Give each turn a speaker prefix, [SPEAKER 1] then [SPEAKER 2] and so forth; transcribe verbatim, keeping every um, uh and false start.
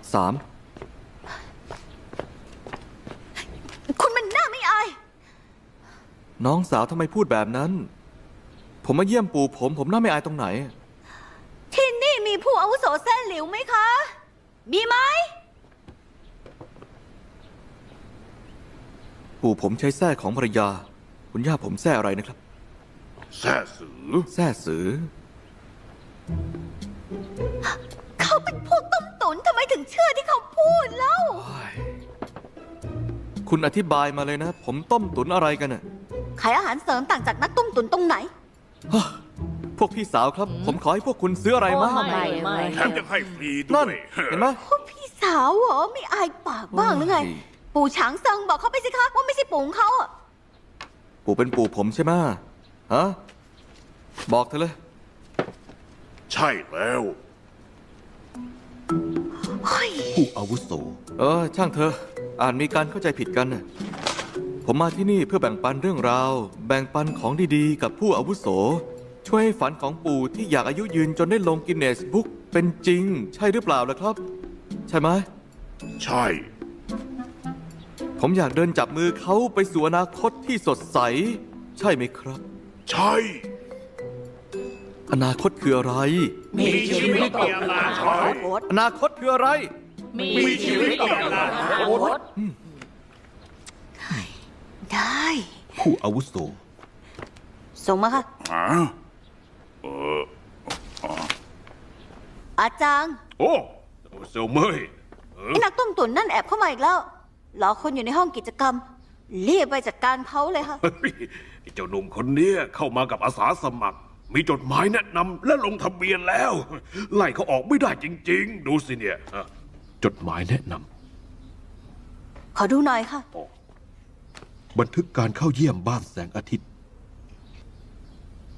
[SPEAKER 1] สาม
[SPEAKER 2] คุณมันน่าไม่อาย
[SPEAKER 1] น้องสาวทำไมพูดแบบนั้นผมมาเยี่ยมปู่ผมผมน่าไม่อายตรงไหน
[SPEAKER 2] ที่นี่มีผู้อาวุโสแซ่หลิวไหมคะมีไหม
[SPEAKER 1] ปู่ผมใช้แส้ของภรรยาคุณย่าผมแส้อะไรนะครับ
[SPEAKER 3] แซ่สือ
[SPEAKER 1] แส้สือ
[SPEAKER 2] เขาเป็นพวกต้มตุ๋นทำไมถึงเชื่อที่เขาพูดเล่า
[SPEAKER 1] คุณอธิบายมาเลยนะ ผมต้มตุ๋นอะไรกันน่ะ
[SPEAKER 2] ขายอาหารเสริมต่างจากนักต้มตุ๋นตรงไหน
[SPEAKER 1] พวกพี่สาวครับผมขอให้พวกคุณซื้ออะไรมา
[SPEAKER 4] ไม่ไม่
[SPEAKER 3] แถมยังให้ฟรีด้
[SPEAKER 1] นั่
[SPEAKER 3] วน ย
[SPEAKER 1] เห็นไหม
[SPEAKER 2] พวกพี่สาวเหรอไม่อายปากบ้างหรือไงปู่ฉางเซิงบอกเขาไปสิคะว่าไม่ใช่ปู่ของเขาอะ
[SPEAKER 1] ปู่เป็นปู่ผมใช่ไหมฮะบอกเธอเลย
[SPEAKER 3] ใช่แล้ว
[SPEAKER 1] ผู้อาวุโสเออช่างเธออ่านมีการเข้าใจผิดกันน่ะผมมาที่นี่เพื่อแบ่งปันเรื่องราวแบ่งปันของดีๆกับผู้อาวุโสช่วยให้ฝันของปู่ที่อยากอายุยืนจนได้ลงกินเนสบุ๊กเป็นจริงใช่หรือเปล่าล่ะครับใช่ไหม
[SPEAKER 3] ใช่
[SPEAKER 1] ผมอยากเดินจับมือเขาไปสู่อนาคตที่สดใสใช่ไหมครับ
[SPEAKER 3] ใช่
[SPEAKER 1] อนาคตคืออะไร
[SPEAKER 3] มีชีวิตมีอนาคต
[SPEAKER 1] อนาคตคืออะไร
[SPEAKER 3] มีชีวิตมีอนาคต
[SPEAKER 2] ได้
[SPEAKER 1] ผู้อาวุโส
[SPEAKER 2] ส่งมาค่ะ
[SPEAKER 3] เออ
[SPEAKER 2] อาจารย์
[SPEAKER 3] โอ้เซลเมย์
[SPEAKER 2] ไอ้นักต้มตุ๋นนั่นแอบเข้ามาอีกแล้วรอคนอยู่ในห้องกิจกรรมรีบไปจัดการเขาเลยค่ะ
[SPEAKER 3] เจ้าหนุ่มคนนี้เข้ามากับอาสาสมัครมีจดหมายแนะนำและลงทะเบียนแล้วไล่เขาออกไม่ได้จริงๆดูสิเนี่ยจดหมายแนะน
[SPEAKER 2] ำขอดูหน่อยค่ะ
[SPEAKER 5] บันทึกการเข้าเยี่ยมบ้านแสงอาทิตย์